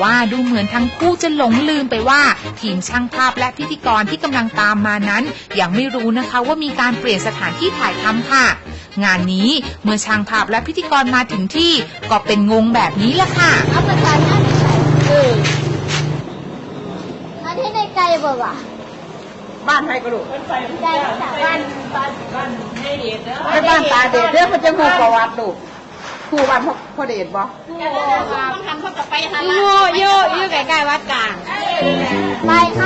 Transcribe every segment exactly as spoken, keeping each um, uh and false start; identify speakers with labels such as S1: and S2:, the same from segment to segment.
S1: ว่าดูเหมือนทั้งคู่จะหลงลืมไปว่าทีมช่างภาพและพิธีกรที่กำลังตามมานั้นยังไม่รู้นะคะว่ามีการเปลี่ยนสถานที่ถ่ายทำค่ะงานนี้เมื่อช่างภาพและพิธีกรมาถึงที่ก็เป็นงงแบบนี้แหละค่ะ
S2: เอาประกันหน้าไม่ใช่เออมาที่ในไกลบ่วะ
S3: บ้านใครก็ลูก
S2: ไกลจากบ้าน
S3: บ้านบ้านให้เดชเด้อไปบ้านตาเดชเด้อเขาจะพูดประวัติลูกครูบ้านพ่อเดชบ่
S2: ต้องทำเขาจะไปหาโย่โย่โย่ใกล้ๆวัดกลางไปเข้า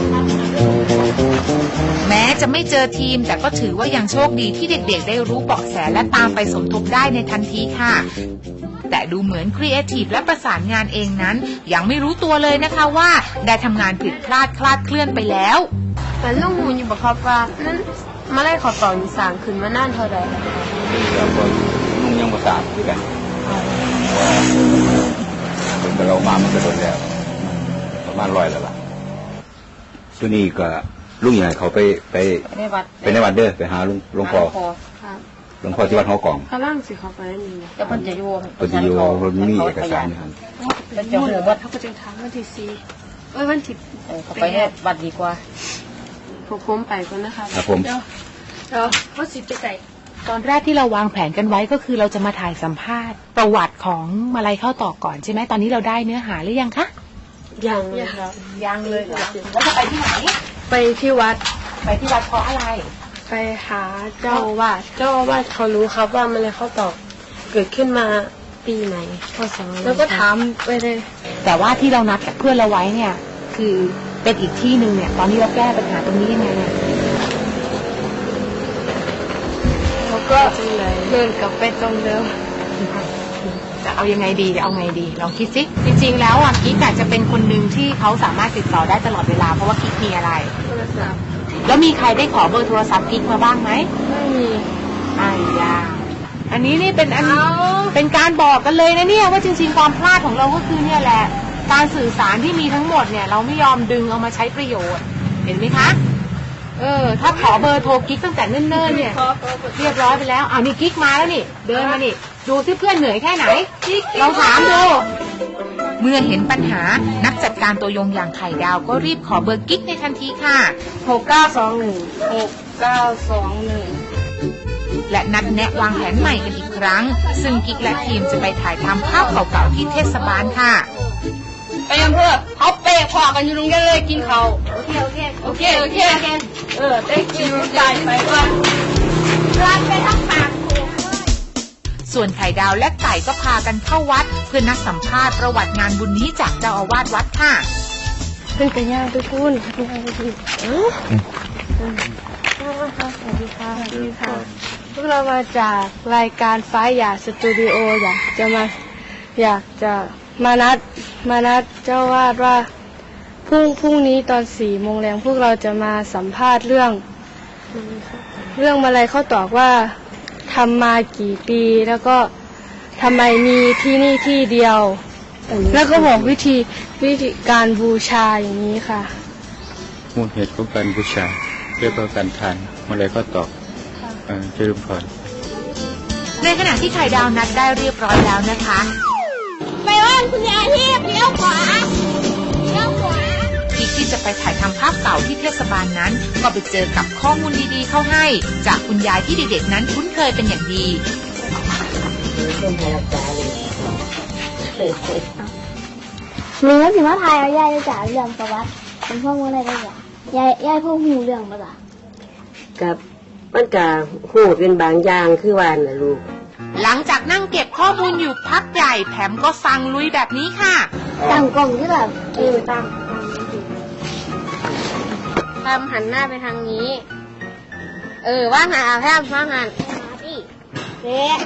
S1: แม้จะไม่เจอทีมแต่ก็ถือว่ายังโชคดีที่เด็กๆได้รู้เบาะแสและตามไปสมทบได้ในทันทีค่ะแต่ดูเหมือนครีเอทีฟและประสานงานเองนั้นยังไม่รู้ตัวเลยนะคะว่าได้ทำงานผิดพลาดคลาดเคลื่อนไปแล้ว
S4: แต่ลุงหูอยู่บอกครับว่านั้นมาไล่ขอต่อมีสางขึ้นมานานเท่าไหร่
S5: แล้วก็ลุงยังประสานด้วยกันเป็นเรามามันก็โดนแล้วประมาณร้อยแล้วล่ะช่วงนี้ก็ลุงใหญ่เขาไปไป
S3: ในวัด
S5: ไปในวัดเด้อไปหาลุงหลวงพ่อหลวงพ่อที่วัดหอกล่อง
S4: พลังสิเขาไปนี่นะ
S3: จะมันจะโยง
S5: มันจะโยงมันมีเอกสารอยู่ครับ
S3: แล้วจะหัววัด
S4: เขาก็จะทำวันที่สี่เอ้ยวันที่
S3: เขาไปในวัดดีกว่า
S4: พวกผมไปก่อนนะคะ
S5: ครับผม
S4: เดี๋ยวว่าสิไปใส่
S1: ตอนแรกที่เราวางแผนกันไว้ก็คือเราจะมาถ่ายสัมภาษณ์ประวัติของมาลัยเข้าต่อก่อนใช่ไหมตอนนี้เราได้เนื้อหาหรือยังคะ
S4: ยังเลยครับ
S1: ยังเลยเหรอแล้วจะไปที่ไหน
S4: ไปที่วัด
S1: ไปที่วัดเพราะอะไร
S4: ไปหาเจ้าวาดเจ้าวาดเขารู้ครับว่ามาลัยเข้าต่อเกิดขึ้นมาปีไหนพศแล้วก็ถามไปเลย
S1: แต่ว่าที่เรานัดกับเพื่อนเราไว้เนี่ยคือเป็นอีกที่หนึ่งเนี่ยตอนนี้เราแก้ปัญหาตรงนี้ยังไงเนี่ย
S4: เขาก็เดินกลับไปตรงเดิม
S1: จะเอายังไงดีจะเอาไงดีลองคิดสิจริงๆแล้วอ่ะกิ๊กอาจจะเป็นคนหนึ่งที่เขาสามารถติดต่อได้ตลอดเวลาเพราะว่ากิ๊กมีอะไร
S4: โทรศัพท์
S1: แล้วมีใครได้ขอเบอร์โทรศัพท์กิ๊กมาบ้างไหม
S4: ไม่มี
S1: อ้ยาอันนี้นี่เป็นอันเป็นการบอกกันเลยนะเนี่ยว่าจริงๆความพลาดของเราก็คือเนี่ยแหละการสื่อสารที่มีทั้งหมดเนี่ยเราไม่ยอมดึงเอามาใช้ประโยชน์เห็นไหมคะเออถ้าขอเบอร์โทรกิ๊กตั้งแต่เนิ่นๆเนี่ยเรียบร้อยไปแล้วเอานี่กิ๊กมาแล้วนี่เดินมานี่ดูที่เพื่อนเหนื่อยแค่ไหนเราถามดูเมื่อเห็นปัญหานักจัดการตัวยงอย่างไข่ดาวก็รีบขอเบอร์กิ๊กในทันทีค่ะ
S4: หกเก้าสองหนึ่งหกเก้าสองหนึ่ง
S1: และนัดแนะวางแผนใหม่กันอีกครั้งซึ่งกิ๊กและทีมจะไปถ่ายทำภาพเก่าๆที่เทศบาลค่ะ
S4: ไปยังเพื่อเขาเปะขวากันอยู่ตรงนี้เลยกินเขา
S2: โอเคโอเค
S4: โอเคโอเคเออได้กินใจไปก่อน
S2: รันไปทั้งปาก
S1: ส่วนไข่ดาวและไก่ก็พากันเข้าวัดเพื่อนัดสัมภาษณ์ประวัติงานบุญนี้จากเจ้าอาวาสวัดค่ะ
S4: เพื่อนกันย่างทุกคนย่างทุกคนสวัสดีค่ะสวัสดีค่ะพวกเรามาจากรายการฟ้าหยาสตูดิโออยากจะมาอยากจะมานัดมานัดเจ้าวาดว่าพรุ่งพรุ่งนี้ตอนสี่โมงแรงพวกเราจะมาสัมภาษณ์เรื่องเรื่องมาลัยเข้าตอกว่าทำมากี่ปีแล้วก็ทำไมมีที่นี่ที่เดียวแล้วก็บอกวิธีวิธีการบูชาอย่างนี้ค่ะ
S5: มูลเหตุของการบูชาเรียกว่าการทานมาลัยเข้าตอกเจริญพร
S1: ในขณะที่ไข่ดาวนัดได้เรียบร้อยแล้วนะคะ
S2: ไปว่านคุณยายที่เลี้ยวขวาเลี้ยวขวา
S1: กิ๊กที่จะไปถ่ายทำภาพเก่าที่เทศบาลนั้นก็ไปเจอกับข้อมูลดีๆเข้าให้จากคุณยายที่เด็กๆนั้นคุ้นเคยเป็นอย่างดี
S2: มีว่าสิว่าไทยเอายายจะจ่ายเรื่องประวัติเป็นพ่อมูอะไรได้จ้ะยายยายพ่อหูเรื่องมาจ้ะ
S3: กับมันกะหูเป็นบางอย่างคือวานนะลูก
S1: หลังจากนั่งเก็บข้อมูลอยู่พักใหญ่แถมก็สั่งลุยแบบนี้ค่ะ
S2: ตั้งกล้องที่แบบเออตั้ง
S4: ทำหันหน้าไปทางนี้เออว่างานอาแพมว่างาน
S2: เด็ก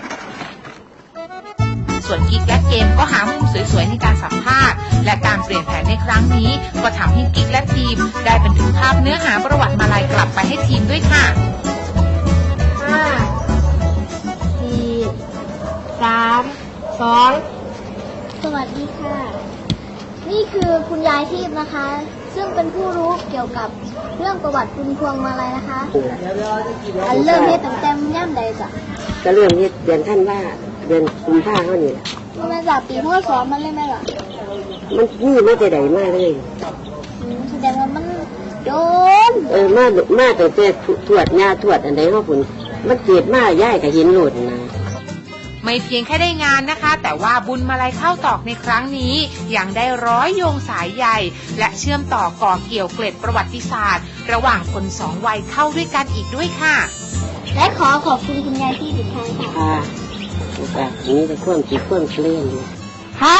S1: ส่วนกิ๊กและเกมก็หามุมสวยๆในการสัมภาษณ์และการเปลี่ยนแผนในครั้งนี้ก็ทำให้กิ๊กและทีมได้บันทึกภาพเนื้อหาประวัติมาลัยกลับไปให้ทีมด้วยค่ะ
S2: ห้าสี่สามสองสวัสดีค่ะนี่คือคุณยายทิพย์นะคะซึ่งเป็นผู้รู้เกี่ยวกับเรื่องประวัติคุณพวงมาลัยนะคะอันเริ่มเฮ็ดตั้งแต่ย่ำใดจ้ะ
S3: ก็เริ่มเฮ็ดเดือนท่านว่าเดือนกุมภาพันธ์นี่แหละ
S2: มันจากปีพ.ศ.มันเลยไหมล่ะ
S6: มันนี่ไม่ได้ใดมากเลย
S2: อืมแสดงว่ามันโดน
S6: เออมามาแต่แต่ถวดงาถวดอันใดเขาผุนมันเกิดมาย่ายกับหินหลุดนะ
S1: ไม่เพียงแค่ได้งานนะคะ แต่ว่าบุญมาลัยข้าวตอกในครั้งนี้ยังได้ร้อยโยงสายใยและเชื่อมต่อก่อเกี่ยวเกล็ดประวัติศาสตร์ ระหว่างคนสองวัยเข้าด้วยกันอีกด้วยค่ะ
S2: และขอขอบคุณคุณยายที่อีกครั้งค่ะ
S6: ค่ะแบบนี้จะคว่ำจีคว่ำเล่นอยู่
S4: ครับ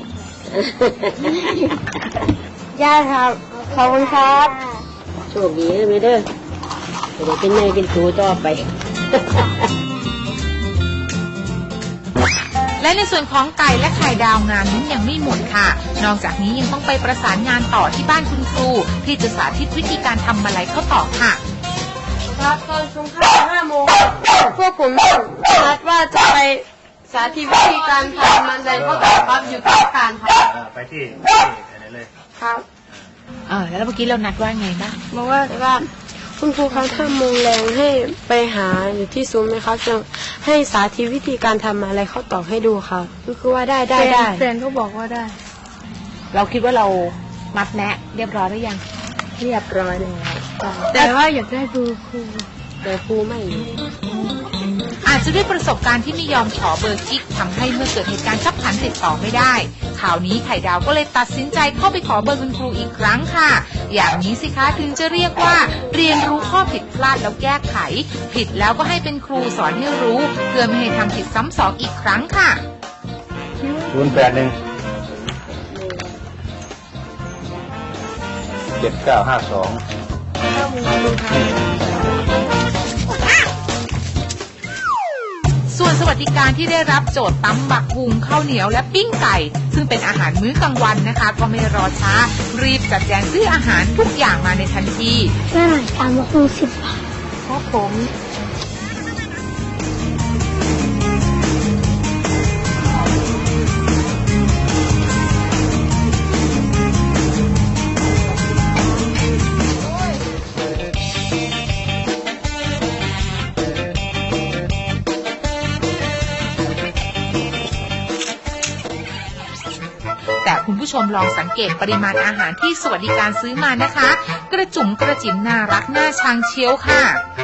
S4: ย่าครับขอบคุณครับ
S6: โชคดีนะไม่เด้อจะได้เป็นไงเป็นตูต่อไป
S1: และในส่วนของไก่และไข่ดาวงานนี้ยังไม่หมดค่ะ นอกจากนี้ยังต้องไปประสานงานต่อที่บ้านคุณครูที่จะสาธิตวิธีการทำมาลัยข้าวตอกค่ะ
S4: ครับตอนช่วงค่ำห้าโมงพวกผมนัดว่าจะไปสาธิตวิธีการทำมันเลยข้าวตอกครับอยู่ที่อาคารครับ
S7: ไปที่ที่ไหนเลย
S4: ครับ
S1: เออแล้วเมื่อกี้เรานัดว่าไงบ้าง
S4: บอกว่าว่าคุณครูครับถ้าโมงแรงให้ไปหาอยู่ที่ซุ้มไหมครับจะให้สาธิตวิธีการทำอะไรข้าวตอกให้ดูครับก็คือว่าได้ได้ได้แฟนก็บอกว่าได้
S1: เราคิดว่าเรามัดแนะเรียบร้อยหรือยัง
S4: เรียบร้อยแล้วแต่ว่าอยากได้ดูครู
S6: แต่ครูไม่อยู่
S1: อาจจะด้วยประสบการณ์ที่ไม่ยอมขอเบอร์กิ๊กทำให้เมื่อเกิดเหตุการณ์ขับขันติดต่อไม่ได้ข่าวนี้ไข่ดาวก็เลยตัดสินใจเข้าไปขอเบอร์คุณครูอีกครั้งค่ะอย่างนี้สิคะถึงจะเรียกว่าเรียนรู้ข้อผิดพลาดแล้วแก้ไขผิดแล้วก็ให้เป็นครูสอนให้รู้เพื่อไม่ให้ทำผิดซ้ำสองอีกครั้งค่ะ
S7: ศูนย์แปดหนึ่งเจ็ดเก้าห้าสอง
S1: ส่วนสวัสดิการที่ได้รับโจทย์ตำบักหุงข้าวเหนียวและปิ้งไก่ ซึ่งเป็นอาหารมื้อกลางวันนะคะ ก็ไม่รอช้า รีบจัดแจงซื้ออาหารทุกอย่างมาในทันที
S2: น่าหน่อยตามมาคูสิบบาท
S1: ครับผม แต่คุณผู้ชมลองสังเกตปริมาณอาหารที่สวัสดิการซื้อมานะคะ กระจุ๋มกระจิ๋มน่ารักน่าชังเชียวค่ะ